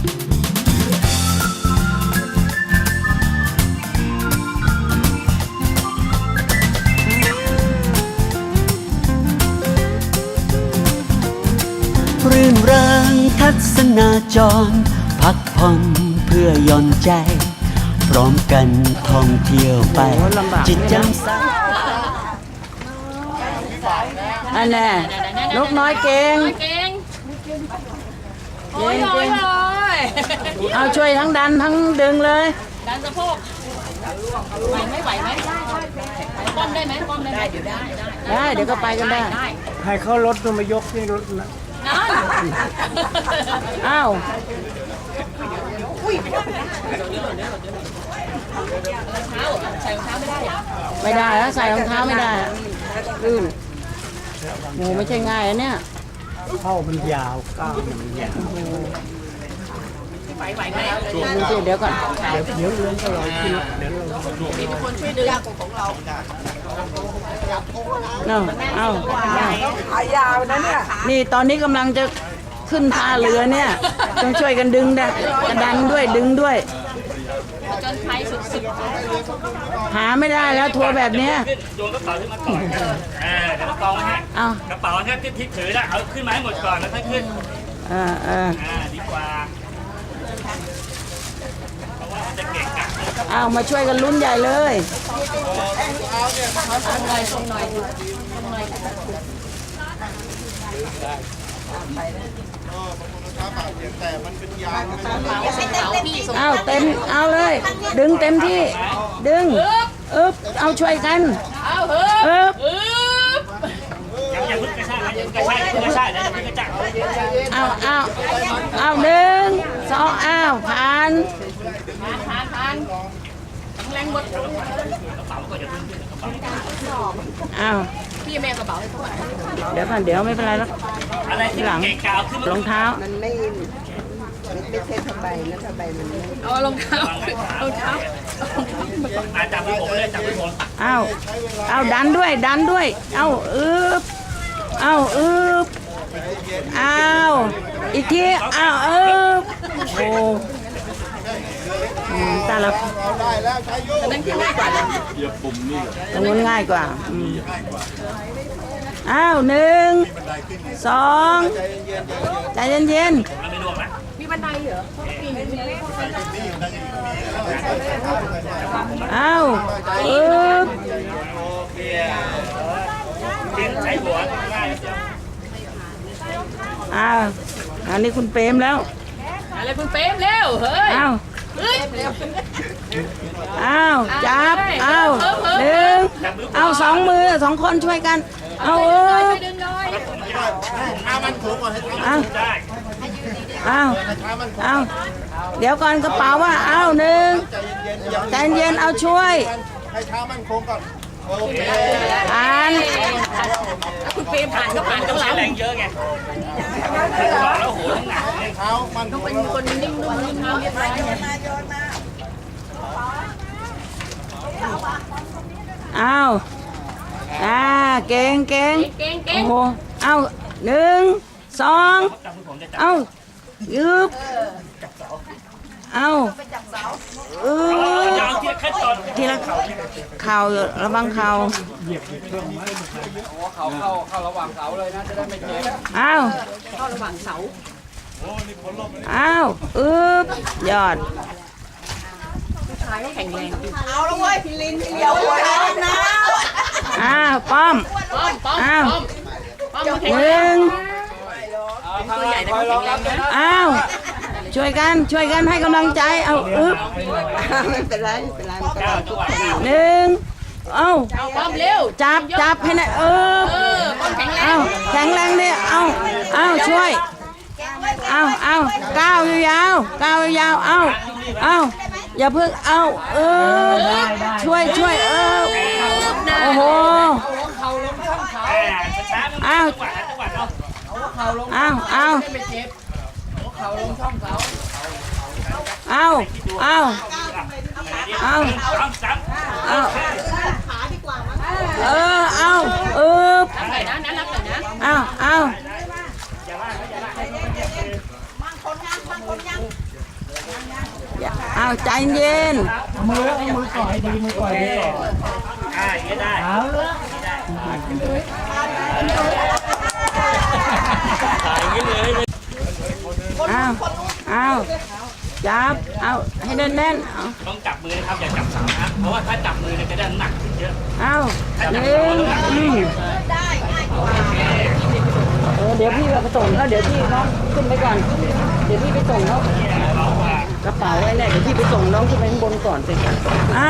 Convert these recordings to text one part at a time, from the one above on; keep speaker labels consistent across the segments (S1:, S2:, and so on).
S1: รื่นเริงทัศนาจรพักผ่อนเพื่อหย่อนใจพร้อมกันท่องเที่ยวไปจิตแจ่มใส
S2: อันน่ะนกน้อยเก่ง
S3: โอ้ย
S2: เอาช่วยทั้งดันทั้งดึงเลย
S3: ดันสะโพกไหวไหมป้อมได้ไหมป้อมได้เดี๋ยวได้
S2: เดี๋ยวก็ไปกันได้
S4: ให้เขารถตัวมายกนี่รถนะ
S2: อ้าวไม่ได้แล้วใส่รองเท้าไม่ได้ลื่นโหไม่ใช่ง่ายอันเนี้ย
S4: เข้ามันยาวก้าวมันยาว
S3: ไหวไหม
S2: เดี๋ยวก่อน
S4: เดี๋ยวเรื่องก็ลอยขึ้นเดี๋ยวเรา
S3: มีคนช่วยดึงของเรา
S2: เอา
S4: ขายาวนะเนี่ย
S2: นี่ตอนนี้กำลังจะขึ้นท่าเรือเนี่ยต้องช่วยกันดึงได้กระดันด้วยดึงด้วย
S3: จนไทยสุด
S2: หาไม่ได้แล้วทัวร์แบบเนี้ย
S5: โยนกระเป๋าขึ้นมาก่อนเดี๋ยวกองให้กระเป๋าแค่ที่ถือแล้วเอาขึ้นมาให้หมดก่อนแล้วค่อยขึ้นดีกว่าเพราะว่าจะเก่งกัน
S2: เอามาช่วยกันลุ้นใหญ่เลย
S3: ส่งหน่อย
S2: เอาเต็มเอาเลยดึงเต็มที่ดึงเอาช่วยกัน
S5: อย่าพึ่งกระชากนะอย่าพึ่งกระชากนะอย่าพึ่งกระชาก
S2: เอาหนึ่งสองผ่าน
S3: แรงหมดพี่แม่กระเป๋าให้เขา
S2: เดี๋ยวไม่เป็นไรแล้ว
S5: อะไรที่หลัง
S2: รองเท้า
S6: มันไม่ใช่ผ้าใบนะผ้าใบมัน
S3: เอารองเท้า
S5: จับมือผมเลยจับมือผม
S2: เอาดันด้วยเอาอีกทีโอ้ตาละ
S3: นั่นคือง่ายกว่า
S2: ตรงนู้นง่ายกว่าหนึ่งสองใจเย็น
S3: มีบันไดเหรอ
S5: ใช้หัวง่าย
S2: อันนี้คุณเปรมแล้ว
S3: อะไรคุณเปรมเร็วเฮ้ย
S2: จับหนึ่งสองมือสองคนช่วยกัน
S5: มันถูกก่อนให้
S2: เดี๋ยวก่อนกระเป๋าว่าหนึ่งใจเย็นเอาช่วย
S4: ให้เท้ามันโค้งก่อนโอเค
S3: คุณเปรมผ่านก็ผ่านต้องแ
S5: รงเยอะไงแล้วโหหนัก
S4: เท้ามัน
S3: ต้องเป็นคนนิ่งๆเรียบร้อย
S2: เก่งโอ้โหหนึ่งสองยืบทีละเข่าระวังเข่า
S4: เข้าระหว่างเสาเลยนะจะได้ไม่เจ็บ
S3: เข้าระหว่างเส
S2: ายอด
S3: ชายก็แข็งแรง
S6: เอาละเว้ยพี่ลินพี่เลี้ยวนะ
S2: ป้อมหนึ่ง
S3: ตัวใหญ่แต่เขาแข็งแรงนะ
S2: ช่วยกันให้กำลังใจ
S6: ไม่เป็นไร
S2: หนึ่ง
S3: ป้อมเร็ว
S2: จับให้หน่อย
S3: ป้อมแข็งแรง
S2: แข็งแรงดิช่วยก้าวยาวอย่าเพิ่งช่วยโอ้โหาวใจเย็น
S5: อย่างนี้ได้ถ่ายอย่างนี้เลย
S2: เอาจับเอาให้แน่นๆเอา
S5: ต้องจับมือนะครับอย่าจับเสานะเพราะว่าถ้าจับมือเนี่ยจะได้หนักขึ้นเยอะ
S2: เอาหนึ่งเดี๋ยวพี่ไปส่งแล้วเดี๋ยวพี่น้องขึ้นไปก่อนเดี๋ยวพี่ไปส่งเขากระเป๋าไว้แน่เดี๋ยวพี่ไปส่งน้องขึ้นไปข้างบนก่อนสิเอา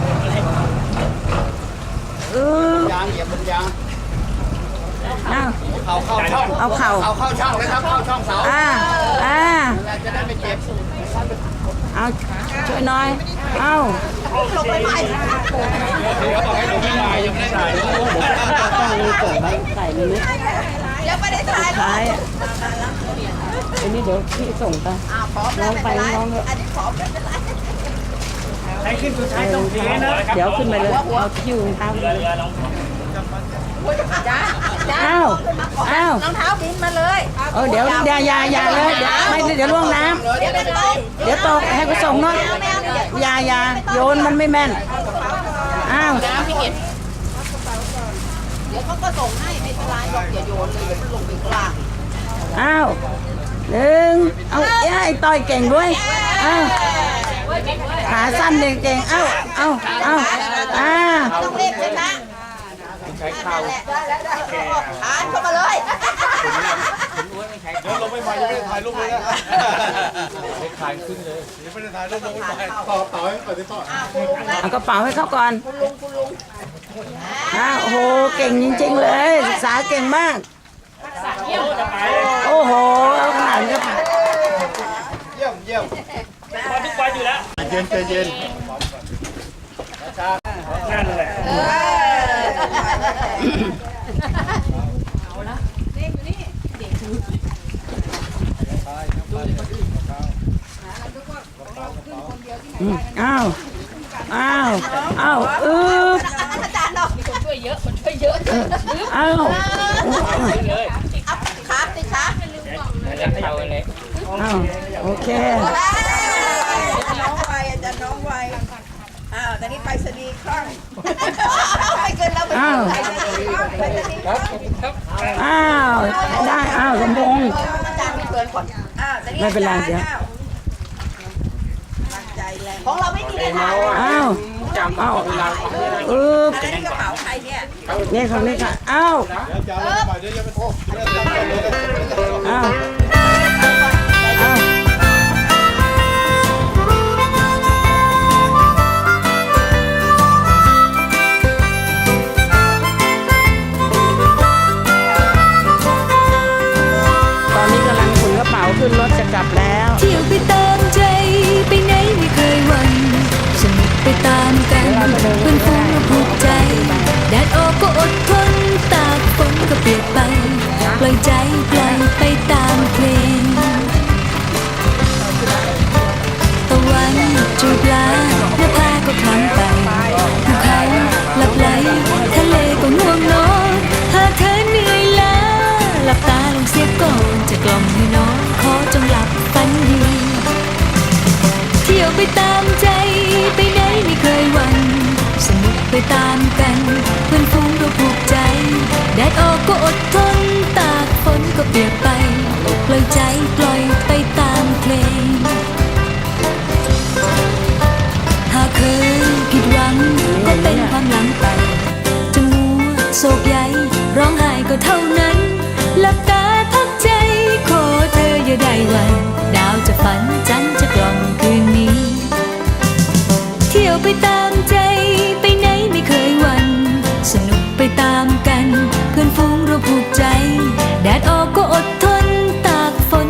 S4: ยางเหยียบบนยาง
S2: เอา
S4: เข้าช่อง
S2: เอาเข่า
S4: เข้าช่องเลยครับ เข้าช่องเสาจะได้ไม่เจ็บ
S2: เอาช่วยหน่อยเอา
S6: ลงไปใหม่
S4: เดี๋ยวบอกให้หนูไม่ถ่ายยังไม่ได้ถ่าย
S2: ต้องมีส่งไปใส่ในนี้
S6: ยังไม่ได้ถ่าย
S2: ท้ายอันนี้เดี๋ยวพี่ส่งไป
S6: พร้อมแล้วไม่เป็นไรอันนี้พร้อมไม่เป็นไร
S5: ใช้ขึ้นสุดท้ายต้องเทนะ
S2: เดี๋ยวขึ้นไปเลยเอาคิวเท้า
S5: เรือลง
S6: จ้าจ้า
S2: อ้าวอ้าว
S6: รองเท้าบินมาเลย
S2: เดี๋ยวอย่าเลยเดี๋ยวไม่เดี๋ยวล่วงน้ำ
S6: เดี๋ยวเป็นไร
S2: เดี๋ยวตกให้กูส่งหน่อยอย่าโยนมันไม่แม่นอ้าว
S6: เดี๋ยวเขาก็ส่งให้ไม่เป็นไรหรอกอย่าโยนเลยเดี๋ยวมันลงไปข้างล่าง
S2: อ้าวหนึ่งเอาไอ้ต้อยเก่งด้วยอ้าวขาสั้นเก่งเอา
S6: ต้องเล่นใช่ไหมใช้เข่าอ่านเข้ามาเลย
S4: เดี๋ยวลงไม่ไหวยังไม่ได้ถ่ายรูปเลยนะถ่ายขึ้นเลยยังไม่ได้ถ่ายรูปลงไม่ไหวต่อให้ก่อนที่ต่อ
S2: เอากระเป๋าให้เขาก่อนโอ้โหเก่งจริงๆเลยศึกษาเก่งมากโอ้โหเอาขนาดนี้ก็ผ่าน
S4: เยี่ยม
S5: พอทุกวันอยู่แล้ว
S4: ใจเย็น
S5: นั่นแหละ
S2: อ้าว
S6: อาจารย์เนาะคนช่วยเยอะ
S2: อ้าว
S6: ขาติดขา
S2: อ้าวโอเค
S6: น้องไวอาจารย์น้องไวตอนนี้ไปสนีคล่องไปเกินแล้วไปสนีคล่อง
S2: ได้สมพงษ์
S6: อาจารย์ไม่เกินก่อน
S2: ไม่เป็นไรเดี๋ยว
S6: ของเราไม่มีเลยค่ะ
S2: กระเป๋าใครเนี่ยนี่ของนี่ค่ะ
S4: ๆจะเอาลงไปเดี๋ยวจะไปโทษ
S2: ตอนนี้กำลังขนกระเป๋าขึ้นรถจะกลับแล้ว
S7: เที่ยวไปตามใจไปไหนไม่เคยหวั่นสนุกไปตามกันเพื่อนฝูงผูกใจแดดออกก็อดทนตากฝนก็เปียกไปปล่อยใจปล่อยไปตามเพลงตะวันจูบลาหน้าผาก็คล้ำไปภูเขาหลับไหลทะเลก็ง่วงนอนหากเธอเหนื่อยล้าหลับตาลงเสียก่อนจะกล่อมให้นอนขอจงหลับฝันดีเที่ยวไปตามใจไปไหนไม่เคยหวั่นสนุกไปตามกันเพื่อนฝูงก็ผูกใจแดดออกก็อดทนตากฝนก็เปียกไปปล่อยใจปล่อยไปตามเพลงหากเคยผิดหวังก็เป็นความหลังไปจะมัวโศกใยร้องไห้ก็เท่านั้นหลับตาพักใจขอเธออย่าได้หวั่นดาวจะฝันจันทร์จะกล่อมคืนนี้เที่ยวไปตามใจไปไหนไม่เคยหวั่นสนุกไปตามกันเพื่อนฝูงเราผูกใจแดดออกก็อดทนตากฝน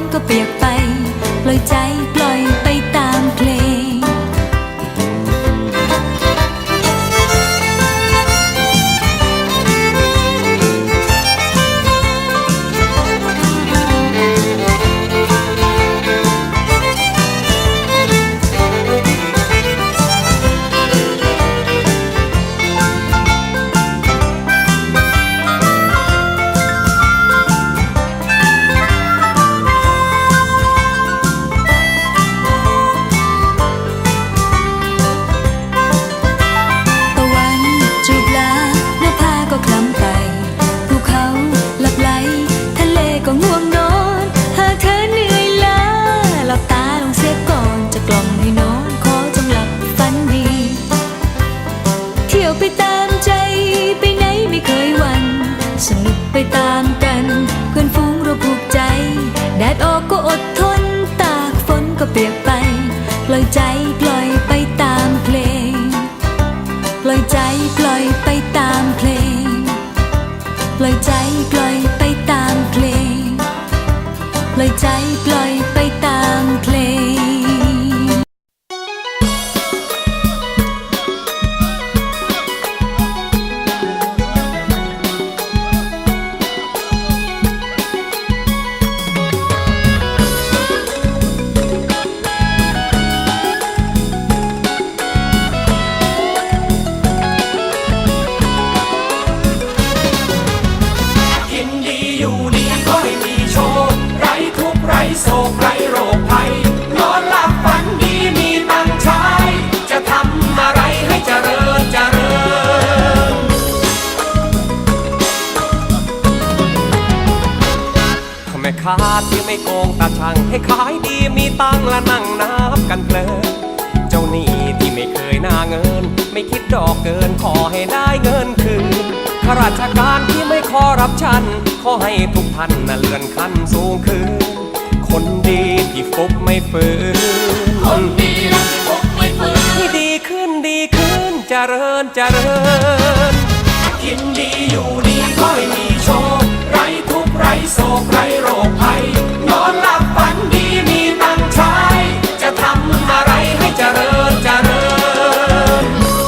S8: โกงตาช่างให้ขายดีมีตังและนั่งนับกันเพลินเจ้าหนี้ที่ไม่เคยหน้าเงินไม่คิดดอกเกินขอให้ได้เงินคืนข้าราชการที่ไม่ขอรับชันขอให้ทุกท่านน่ะเลื่อนขั้นสูงขึ้นคนดีที่ฟุกไม่ฝืนคนดีที่ฟุกไม่ฝืนให้ดีขึ้นดีขึ้นเจริญเจริญกินดีอยู่ดีก็ให้มีโชคไร้ทุกข์ไร้โศกไร้โรคภัยนอนหลับฝันดีมีตังค์ใช้จะทำอะไรให้เจริญเจริญ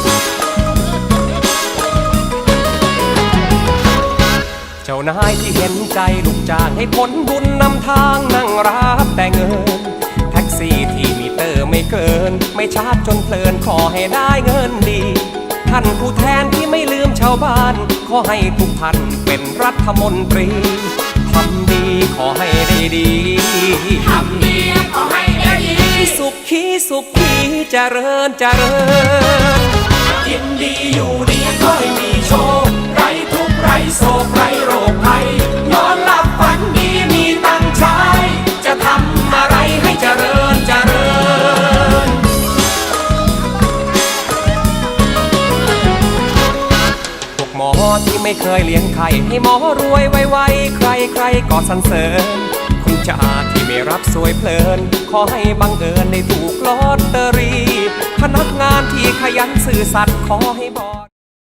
S8: เจ้านายที่เห็นใจลูกจ้างให้ผลบุญนำทางนั่งรับแต่เงินแท็กซี่ที่มีเตอร์ไม่เกินไม่ชาร์จจนเพลินขอให้ได้เงินดีท่านผู้แทนที่ไม่ลืมชาวบ้านขอให้ทุกท่านเป็นรัฐมนตรีทำดีขอให้ได้ดีทำดีขอให้ได้ดีสุขีสุขีเจริญเจริญกินดีอยู่ดีก็ให้มีโชคไร้ทุกข์ไร้โศกไร้โรคภัยนอนหลับฝันดีมีตังค์ใช้จะทำอะไรให้เจริญเจริญหมอที่ไม่เคยเลี้ยงไข่ให้หมอรวยไวๆใครๆก็สรรเสริญคุณจ่าที่ไม่รับสวยเพลินขอให้บังเอิญได้ถูกลอตเตอรี่พนักงานที่ขยันซื่อสัตย์ขอให้บอ